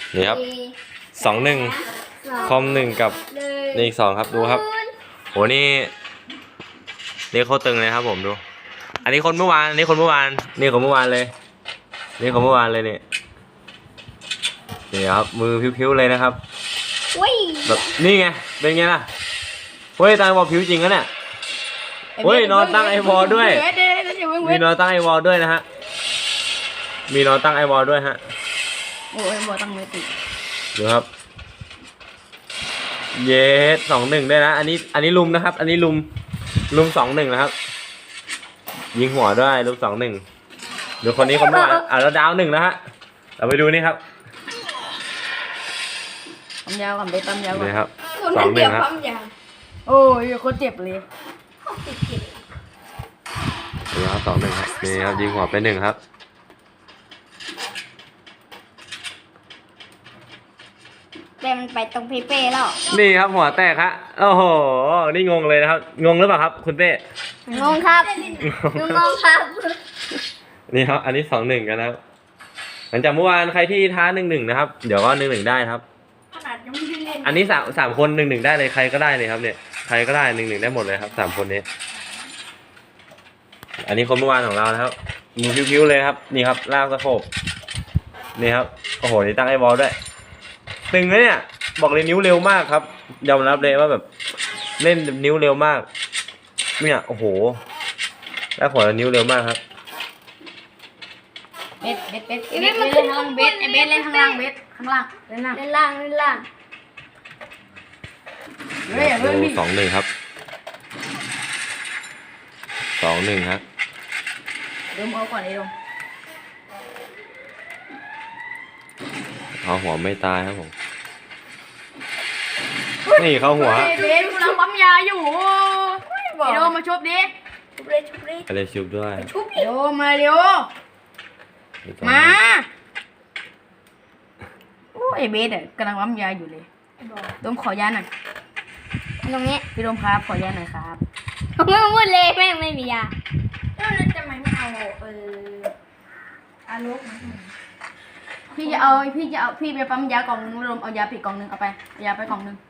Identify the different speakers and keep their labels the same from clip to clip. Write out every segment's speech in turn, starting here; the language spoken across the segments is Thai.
Speaker 1: นี่ครับ2-1คอม1กับนี่อีก2ครับดูครับโหนี่โคตรตึงเลยครับผมดูอันนี้คนเมื่อวานนี่คนเมื่อวานนี่คนเมื่อวานเลยนี่คนเมื่อวานเลยนี่ครับมือพิ้วๆเลยนะครับแบบนี่ไงเป็นไงล่ะเฮ้ยตั้งไอวอลพิ้วจริงนะเนี่ยเฮ้ยนอนตั้งไอวอลด้วยมีนอนตั้งไอวอลด้วยนะฮะมีนอนตั้งไอวอลด้วยฮะ
Speaker 2: โอ้ยบอตั้งไม่ติด
Speaker 1: ดูครับเยส2-1ได้นะอันนี้ลุมนะครับอันนี้ลุม2-1นะครับยิงหัวด้วยลุม2-1ดูคนนี้คนเมื่อวานแล้วดาว1นะฮะเราไปดูนี่ครับ
Speaker 2: ปั๊มยาวก่อนไปปั๊มยาวก่อน
Speaker 1: นี่ครับ2-1ครับ
Speaker 2: โอ้ยคนเจ็บเลย
Speaker 1: นี่ครับ2-1ครับนี่ครับยิงหัวไป1ครับ
Speaker 3: แต่มันไปตรงเป้แล้ว
Speaker 1: นี่ครับหัวแตกฮะโอ้โหนี่งงเลยนะครับงงหรือเปล่าครับคุณเป้
Speaker 3: งงครับงงครับ
Speaker 1: นี่ครับอันนี้2-1กันนะครับหลังจากเมื่อวานใครที่ท้า1-1นะครับเดี๋ยวก็1-1ได้ครับอันนี้3คน1-1ได้เลยใครก็ได้เลยครับเนี่ยใครก็ได้1-1ได้หมดเลยครับ3คนนี้อันนี้คนเมื่อวานของเรานะครับมือพิ้วๆเลยครับนี่ครับลากสะโพกนี่ครับโอ้โหนี่ตั้งไอ้บอลด้วยตึงเลยเนี่ยบอกเลยนิ้วเร็วมากครับยอมรับเลยว่าแบบเล่นนิ้วเร็วมากเนี่ยโอ้โหแล้วหัวนิ้วเร็วมากครับ
Speaker 2: เบ็ดเล่นข้างล่างเบ็ดไอเบ็ดเล่นข้างล่างเบ็ดข้างล่างเล่นล่าง
Speaker 1: เฮ้ย2-1ครับ2-1ครับ
Speaker 2: เริ่มเอาก่อนไอ้ดม
Speaker 1: เขาหัวไม่ตายครับผมนี่เขาหัว
Speaker 2: เบ็ดกำลังปั๊มยาอยู่ไอ้โดมมาชุบดิ
Speaker 1: อะไรชุบด้วย
Speaker 2: โดมมาเร็วมาโอ้ไอเบสอ่ะกำลังปั๊มยาอยู่เลยโดมขอยาหน่อย
Speaker 3: ตรงนี้
Speaker 2: พี่โดมครับขอยาหน่อยครับ
Speaker 3: ไม่พูดเลยแม่งไม่มียา
Speaker 2: แล้วทำไมไม่เอาอารุกพี่ไปปั๊มยากล่องนึงโดมเอายาผิดกล่องนึงเอาไปยาไปกล่องนึง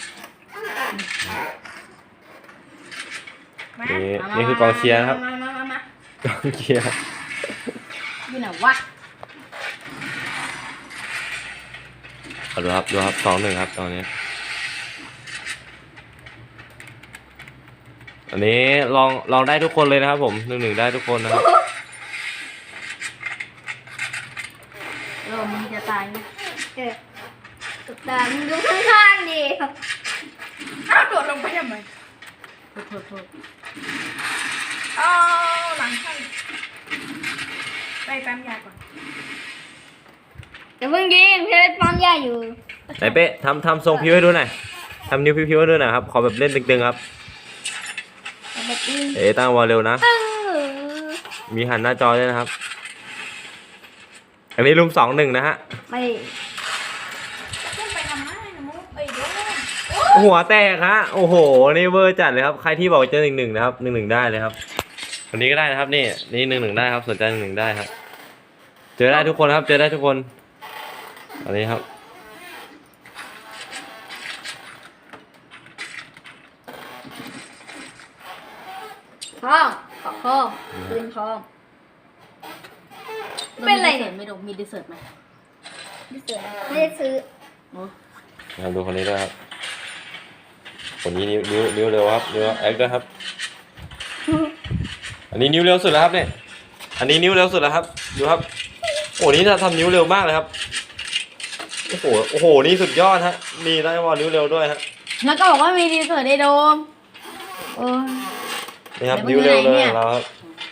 Speaker 1: นี่คือกองเชียร์ครับกองเชียร์
Speaker 2: อยู่ไหนวะ
Speaker 1: ดูครับ2-1ครับตอนนี้อันนี้ลองได้ทุกคนเลยนะครับผม1-1ได้ทุกคนนะครับ
Speaker 2: มึงจะตาย
Speaker 3: ตกตามึงดูข้างๆดิ
Speaker 2: อ้าวโดดลงไปทำไมโทษเอาหลังข้างไปปั๊มยาก่อน
Speaker 3: แต่เพิ่งยิงเพื่อนปั๊มยาอยู่
Speaker 1: ไหนเป๊ะทำทรงพิ้วให้ดูหน่อยทำนิ้วพิ้วให้ดูหน่อยครับขอแบบเล่นตึงๆครับตั้งวอลเร็วนะมีหันหน้าจอด้วยนะครับอันนี้ลุม2-1นะฮะ
Speaker 3: ไม่
Speaker 1: หัวแตกฮะโอ้โหนี่เวอร์จัดเลยครับใครที่บอกเจอ1-1นะครับ1-1ได้เลยครับวันนี้ก็ได้นะครับนี่1-1ได้ครับสนใจ1-1ได้ครับเจอได้ทุกคนครับเจอได้ทุกคนอันนี้ครับ
Speaker 3: ทองขอทองปืนทองเป็นไรเนี่ย
Speaker 2: ไม่ดมมีดิเซอร์ตไหม
Speaker 3: ดิเซอร์ตไม่ได้ซื้อ
Speaker 1: ครับดูคนนี้ด้วยครับคนนี้นิ้วเร็วครับนิ้วแอคด้วยครับอันนี้นิ้วเร็วสุดแล้วครับเนี่ยอันนี้นิ้วเร็วสุดแล้วครับดูครับโอ้นี่ทำนิ้วเร็วมากเลยครับโอ้โหนี่สุดยอดฮะมีได้วอลนิ้วเร็วด้วยฮะ
Speaker 2: แล้วก็บอกว่ามีดิเซอร์ตไอโดม
Speaker 1: นี่ครับนิ้วเร็วเลยเราครับ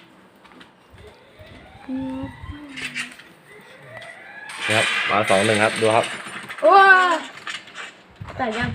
Speaker 1: นะครับมา2-1ครับดูครับ
Speaker 2: ว้าแต่ยัง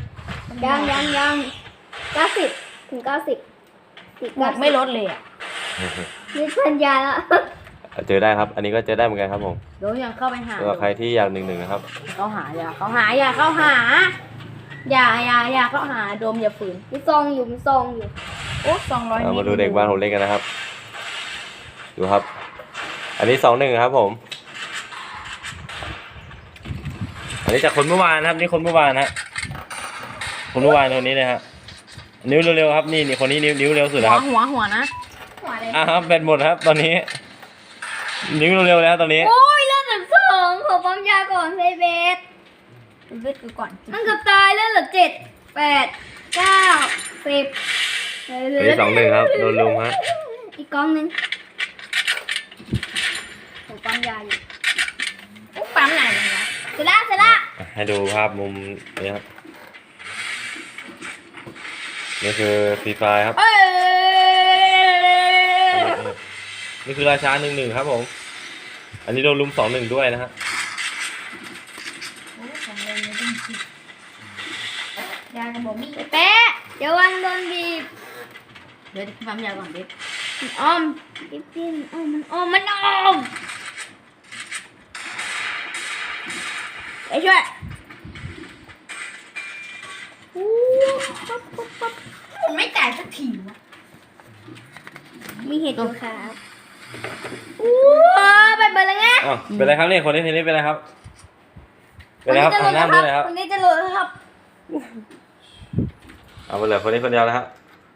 Speaker 3: 90 ถึง 90
Speaker 2: ไม่ลดเลยอ่ะ
Speaker 3: นี่สัญญาแล้ว
Speaker 1: เจอได้ครับอันนี้ก็เจอได้เหมือนกันครับผม
Speaker 2: เดี๋ยวยังเข้าไปหา
Speaker 1: ใครที่อยาก1-1นะครับ
Speaker 2: เข้าหาอย่าเข้าหาอย่าเข้าหาโดมอย่าฝืน
Speaker 3: มีซองอยู่
Speaker 2: โอ้200
Speaker 1: มาดูเด็กบ้านผมเล่นกันนะครับดูครับอันนี้2-1ครับผมอันนี้จากคนเมื่อวานนะครับนี่คนเมื่อวานฮะคนเมื่อวานคนนี้เลยฮะนิ้วเร็วๆครับนี่คนนี้นิ้วเร็วสุดนะครับ
Speaker 3: หัวนะ
Speaker 2: หัวอะไร
Speaker 1: ครับแบตหมดครับตอนนี้ นิ้วเร็วๆแล้วตอนนี้
Speaker 3: โอ้ยเลือดเหลือ2ขอปั๊มยาก่อนเบส
Speaker 2: เลือดกูก่อน
Speaker 3: มันเกือบตายเลือดเหลือ7 8 9 10
Speaker 1: ตัวที่2-1ครับโดนลุมฮะ
Speaker 3: อีกกล้องนึงผมปั๊มยาอยู่
Speaker 2: กูปั๊มไหนเลยวะ
Speaker 3: เสร็จละ
Speaker 1: ให้ดูภาพมุมนี้ครับนี่คือฟรีไฟครับ
Speaker 3: เอ้ย
Speaker 1: นี่คือราชา1-1ครับผมอันนี้โดนลุม2-1ด้วยนะฮะ
Speaker 2: โอ้ของเลยไม่ต้องคิดยากระบอกมี
Speaker 3: แปะเดี๋ยววันโดนบีบ
Speaker 2: เดี๋ยวปั๊มยาก่อนดิ
Speaker 3: มันอ้อมปิ๊บมันอ้อมไอ้ช่วยอู้ปั๊บ
Speaker 2: มันไม่จ่ายสักทีวะ
Speaker 3: มีเห็ดอยู่ครับอู้ไปเบิร์เลยไง
Speaker 1: อ้าวเป็นไรครับเนี่ยคนนี้ทีนี้เป็นไรครับเป็นไรครับทำหน้าด้วยนะครับ
Speaker 3: คนนี้จะหลุดครับ
Speaker 1: เอาไปเลยคนนี้คนเดียวแล้วฮะ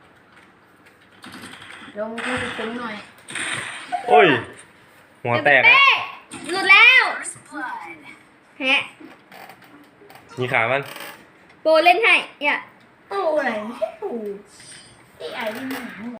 Speaker 2: ลงกูจะตึงหน่อย
Speaker 1: โอ้ยหัวแตก
Speaker 3: เป๊ะหลุดแล้วแฮะ
Speaker 1: มีขามัน
Speaker 3: โปรเล่นให้อย่า
Speaker 2: ตู้อะไรไม่ใช่ตู้ที่ไอ้นี่หนา